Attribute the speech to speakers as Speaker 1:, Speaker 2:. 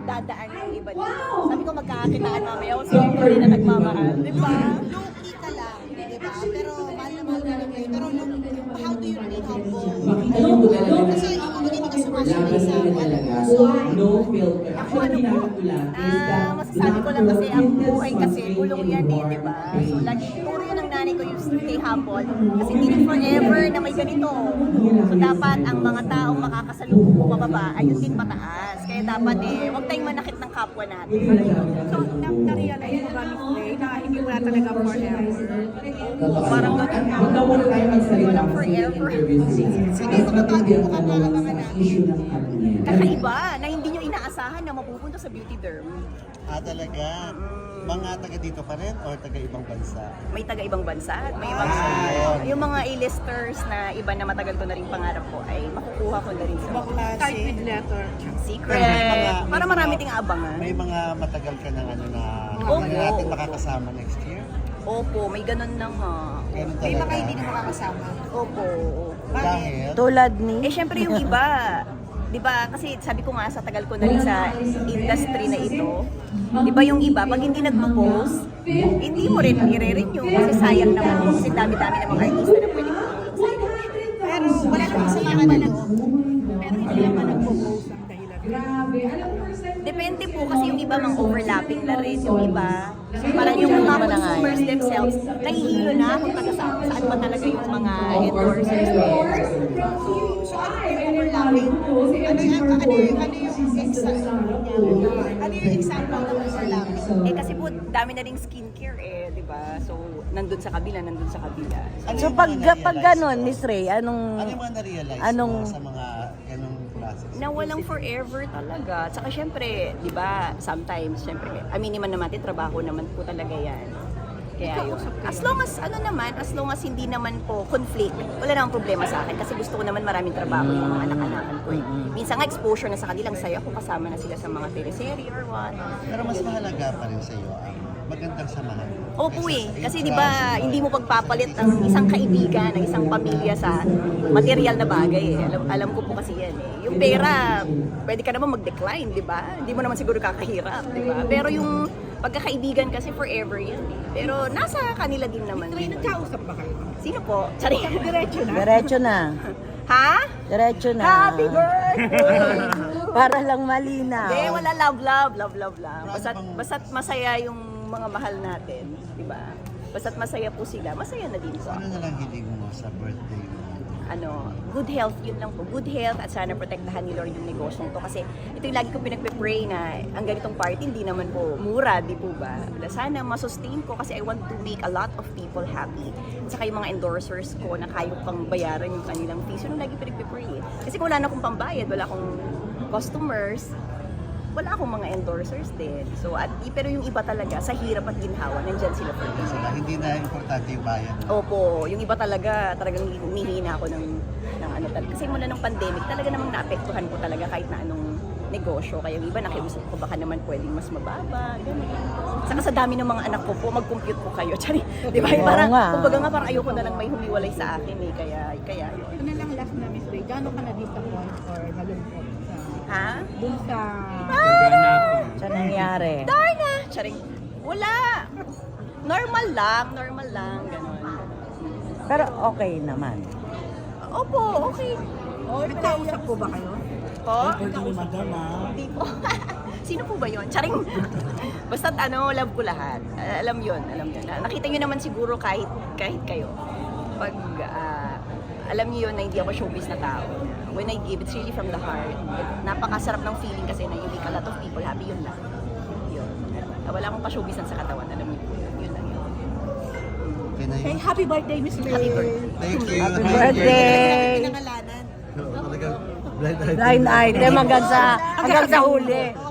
Speaker 1: dadaan yung iba dito. Sabi ko magkakakitaan mamaya kung sino yung tunay na nagmamahal. Di ba?
Speaker 2: Low-key ka lang, di ba? Pero mahal na mahal ka lang kayo. Pero how do you remain humble? Kasi ikaw hindi ka sumasabi sa
Speaker 3: No filter.
Speaker 1: Ako ano po, masasabi ko lang kasi ang buhay kasi gulong yan eh, di ba? So lagi, puro yun ang nanay ko yung stay humble. Kasi hindi rin forever na may ganito. So dapat ang mga taong makakasalubong mo pababa, ayun din pataas. Kaya dapat huwag tayong manakit ng kapwa natin.
Speaker 4: So, na-realize mo ba, Miss Ray, na hindi mo na talaga forever?
Speaker 1: Parang ganun.
Speaker 3: Huwag na muna tayo magsalita
Speaker 1: Walang
Speaker 3: kasi
Speaker 1: forever.
Speaker 2: Sige, mga bago mo ka na mga
Speaker 3: issue ng kanya.
Speaker 1: Kakaiba na hindi nyo inaasahan na mapupunta sa beauty derm.
Speaker 5: Talaga? Mga taga dito pa rin or taga ibang bansa?
Speaker 1: May taga-ibang bansa at may ibang yung mga A-listers na iba na matagal ko na rin pangarap ko ay makukuha ko na rin sa
Speaker 4: Type with letter.
Speaker 1: secret. Para marami ting abangan.
Speaker 5: May mga matagal ka ng ano na
Speaker 1: Opo.
Speaker 5: natin makakasama next year?
Speaker 1: Opo, may ganun na nga.
Speaker 5: Ganun
Speaker 2: May mga
Speaker 5: talaga.
Speaker 2: hindi na makakasama.
Speaker 1: Opo.
Speaker 5: Dahil?
Speaker 6: Tulad ni?
Speaker 1: Syempre yung iba, di ba, kasi sabi ko nga sa tagal ko na rin sa industry na ito, di ba yung iba, pag hindi nagpo-post, hindi mo rin i-renew kasi sayang naman po kasi dami-dami ng mga artista na pwede tumulong sa inyo.
Speaker 2: Pero wala namang sa mga nalog.
Speaker 4: Pero hindi naman nagpo-post ang dahilan.
Speaker 1: Depende po kasi yung iba mang overlapping na rin yung iba. Parang yung mga consumers themselves, nahihilo na kung saan ba talaga yung mga endorsers.
Speaker 2: So, overlapping. Ano yung example ng overlapping?
Speaker 1: Eh kasi po, dami na ring skincare eh, di ba? So, nandun sa kabila.
Speaker 5: Ano
Speaker 6: So
Speaker 5: yung
Speaker 6: pag
Speaker 5: mga
Speaker 6: pag
Speaker 5: na-realize
Speaker 6: ganon,
Speaker 5: mo?
Speaker 6: Miss Ray,
Speaker 5: Ano yung mga na-realize
Speaker 6: anong-
Speaker 5: mo sa mga ganong classes?
Speaker 1: Na walang forever talaga. Tsaka syempre, di ba, sometimes, syempre, aminin man naman natin, trabaho naman po talaga yan. Kaya yun. As long as hindi naman po conflict, wala namang problema sa akin kasi gusto ko naman maraming trabaho yung mga anak-anakan ko. Minsan nga exposure na sa kanilang saya ko, kasama na sila sa mga teleserye or what.
Speaker 5: Pero mas mahalaga pa rin sa iyo ang magandang samahan.
Speaker 1: Opo
Speaker 5: Kaysa
Speaker 1: eh,
Speaker 5: sa
Speaker 1: kasi
Speaker 5: ikaw,
Speaker 1: di ba
Speaker 5: sa
Speaker 1: hindi mo pagpapalit ang isang kaibigan, ng isang pamilya sa material na bagay eh. Alam ko po kasi yan eh. Yung pera, pwede ka naman mag-decline, di ba? Hindi mo naman siguro kakahirap, di ba? Pero yung pagkakaibigan kasi forever yan eh. Pero nasa kanila din naman.
Speaker 4: Ray, nagkausap ba kayo?
Speaker 1: Sino po? Sorry.
Speaker 4: Diretso na?
Speaker 6: Diretso na.
Speaker 1: Ha?
Speaker 6: Diretso na.
Speaker 1: Happy birthday!
Speaker 6: Para lang malinaw.
Speaker 1: Hindi, wala love lang. Basta't masaya yung mga mahal natin, di ba? Basta't masaya po sila, masaya na din po.
Speaker 5: Ano na lang hiling mo sa birthday mo?
Speaker 1: Good health, yun lang po. Good health at sana protektahan ni Lord yung negosyong to. Kasi ito yung lagi ko pinagpe-pray na ang ganitong party hindi naman po mura, di po ba? Sana masustain ko kasi I want to make a lot of people happy. At saka yung mga endorsers ko na kaya pang bayaran yung kanilang fees, yun yung lagi pinagpe-pray eh. Kasi kung wala na akong pambayad, wala akong customers, wala akong mga endorsers din. So, pero yung iba talaga, sa hirap at ginhawa, nandyan sila for me.
Speaker 5: Sila, hindi na importante yung bayan.
Speaker 1: Opo, yung iba talagang nihina ako ng ano talaga. Kasi mula ng pandemic, talaga namang naapektuhan ko talaga kahit na anong negosyo. Kaya yung iba nakiusap ko baka naman pwedeng mas mababa, gano'n. Saka sa dami ng mga anak ko po, mag-compute po kayo. Tsari, di ba?
Speaker 6: Oo
Speaker 1: Parang,
Speaker 6: nga.
Speaker 1: kumbaga nga parang ayoko na lang may humiwalay sa akin eh. Kaya yun.
Speaker 4: Ano lang last na, Miss Ray, gano'n ka na-disappoint or nalungkot
Speaker 1: Ha?
Speaker 4: dun sa...
Speaker 6: Sa nangyari.
Speaker 1: Darna! Charing, wala. Normal lang, gano'n.
Speaker 6: Pero okay naman.
Speaker 1: Opo, okay.
Speaker 4: Nagkausap po ba kayo?
Speaker 1: Po? Hindi po. Sino po ba yun? Charing. Basta't love ko lahat. Alam yun. Nakita nyo naman siguro kahit kayo. Pag alam niyo yun na hindi ako showbiz na tao. When I give, it's really from the heart. Napakasarap ng feeling kasi na you make a lot of people happy, yun lang. Yun. Wala akong pa-showbizan sa katawan, alam niyo po yun. Yun lang yun.
Speaker 5: Okay na
Speaker 4: Hey,
Speaker 5: yun.
Speaker 4: happy birthday, Miss Ray!
Speaker 1: Happy birthday.
Speaker 5: Thank you.
Speaker 6: Happy
Speaker 5: Thank you.
Speaker 6: birthday!
Speaker 2: Pinangalanan.
Speaker 5: Talagang blind item.
Speaker 6: Blind item hanggang sa huli.